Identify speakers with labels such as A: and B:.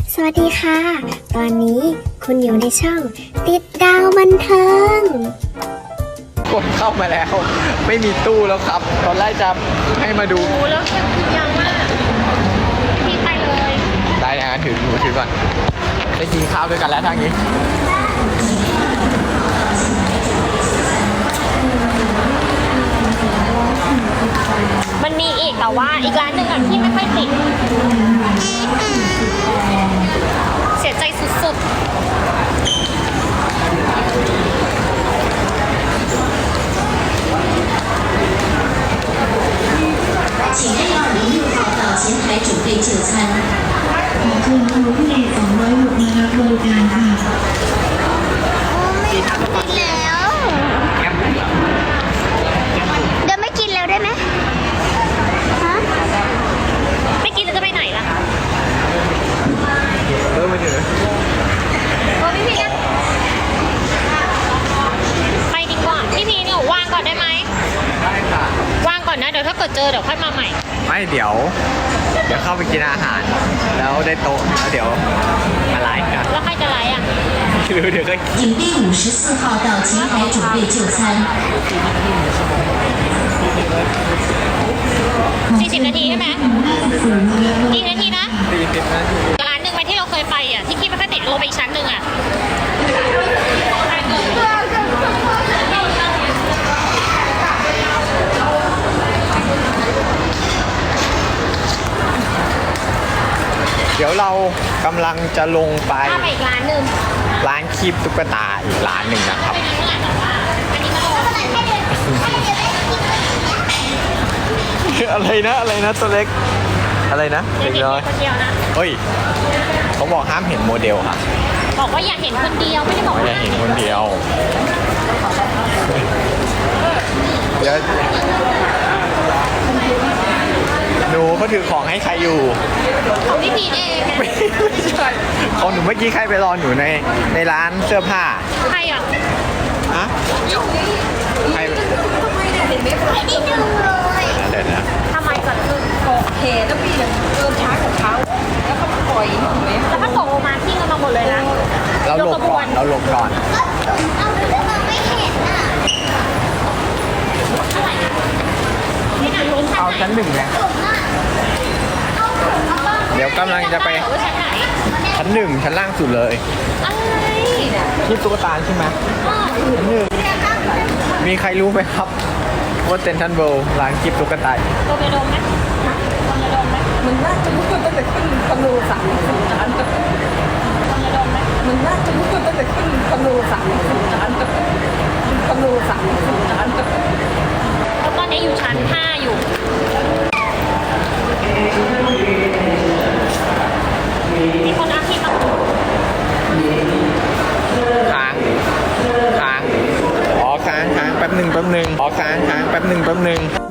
A: สวัสดีค่ะ ตอนนี้คุณอยู่ในช่องติดดาวบันเทิง
B: กดเข้ามาแล้วไม่มีตู้แล้วครับ ตอนแรกจะให้มาดู
C: โอ้แล้วแค่คือยาวมากพี่ไปเลย
B: ได้นะถือมือถือก่อนได้กินข้าวด้วยกันแล้วทางนี้
C: มันมีอีกแต่ว่าอีกร้านหนึ่งอ่ะที่ไม่ค่อยติดเสียใจสุด
D: 请606号到前台准备就餐。
E: ขอเชิญครูผู้เอก206มารับบริการค่ะ
A: แล้วเดี๋ยวไม่กินแล้วได้ไหมฮะ
C: ๆไม่กินแล้วจะไปไหนล่ะ
B: มาถือ
C: โอ้พี่พีนะไปดีกว่าพี่พีเนี่ยวางก่อนได้ไหม
B: ได้ค่ะ
C: วางก่อนนะเดี๋ยวถ้าเกิดเจอเดี๋ยวค่อยมาใหม่
B: ไม่เดี๋ยวเข้าไปกินอาหาร แล้วได้โต๊ะแล้วเดี๋ยวมาไลฟ์กัน
C: แล้วใครจะไลฟ์อ่ะ
B: หรือเดี๋ยวก็
D: 请第54号到前台准备就餐。
C: 40 นาทีใช่ไหม
E: 50มารับ
C: กี่นาทีนะ
B: 40 นาที
C: ร้านหนึ่งไปที่เราเคยไปอ่ะที่คิดว่าถ้าติดลงไปอีกชั้นหนึ่งอ่ะ
B: เดี๋ยวเรากำลังจะลงไป
C: ถ้าไปอีกร้านหนึ่ง
B: ร้านคีบตุ๊กตาอีกร้านหนึ่งนะครับ
C: ไปดีเท่าไหร่แต่ว่าอันนี้มันลง
B: อะไรนะตัวเล็กอะไรนะ
C: เด็
B: เด็
C: ก
B: ก
C: ๆ
B: น้อย
C: คนเดียวนะ
B: เฮ้ยเขาบอกห้ามเห็นโมเดลค่ะ
C: บอกว่าอยากเห็นคนเดียวไม่ได้บอก
B: ไม่
C: ว่า
B: ได้เห็นคนเดียวเดี๋ยวหนูเขาถือของให้ใครอยู่
C: ของพี่พีเองนะ
B: ไม่ใช่ของหนูเมื่อกี้ใครไปรอหนูในร้านเสื้อผ้า
C: ใครอ่ะ
B: ฮะใคร
A: ไม่ได้ดูเลย
B: เดี๋ยวนะ
C: ทำไมก่อนคือ
F: เหตุแล้วพี่ยังเดินช้ากับเขาแล้วเขาปล่อยเห็นไหม
C: แล้วถ้าตกลงมาทิ้งกันมาหมดเลยนะ
B: เราหลบก่อนเราหลบก่อน
A: เอาเรื่องมองไม่เห็นอ่ะ
C: นี่นะรู้ชั้น
B: เอา
C: ไหน
B: ชั้นหนึ่งไง
A: ผมอ่ะเอาผมเอาบ้าง
B: เดี๋ยวกำลังจะไป
C: ว่าชั้นไหน
B: ชั้นหนึ่งชั้นล่างสุดเลย
C: อะไร
B: ที่ตุ๊กตาใช่ไหม
C: อ้อ
B: ชั้นหนึ่งมีใครรู้ไหมครับว่าเซนทรัลเวิลด์ร้านคลิปตุ๊กตา
C: โดนไปโดนไหมโดนไปโดนไหม
F: มันน่าจะรู้ตั้งแต่ขึ้นคอนโด30 ล้าน
C: โดนไปโดนไหม
F: มันน่าจะรู้ตั้งแต่ขึ้นคอนโด30 ล้านคอนโด30 ล้าน
C: แล้วตอนนี้อยู่ชั้น 5 อยู่ มีคนอาชีพมา
B: ค้างอ๋อค้างแป๊บหนึ่งอ๋อค้างแป๊บหนึ่ง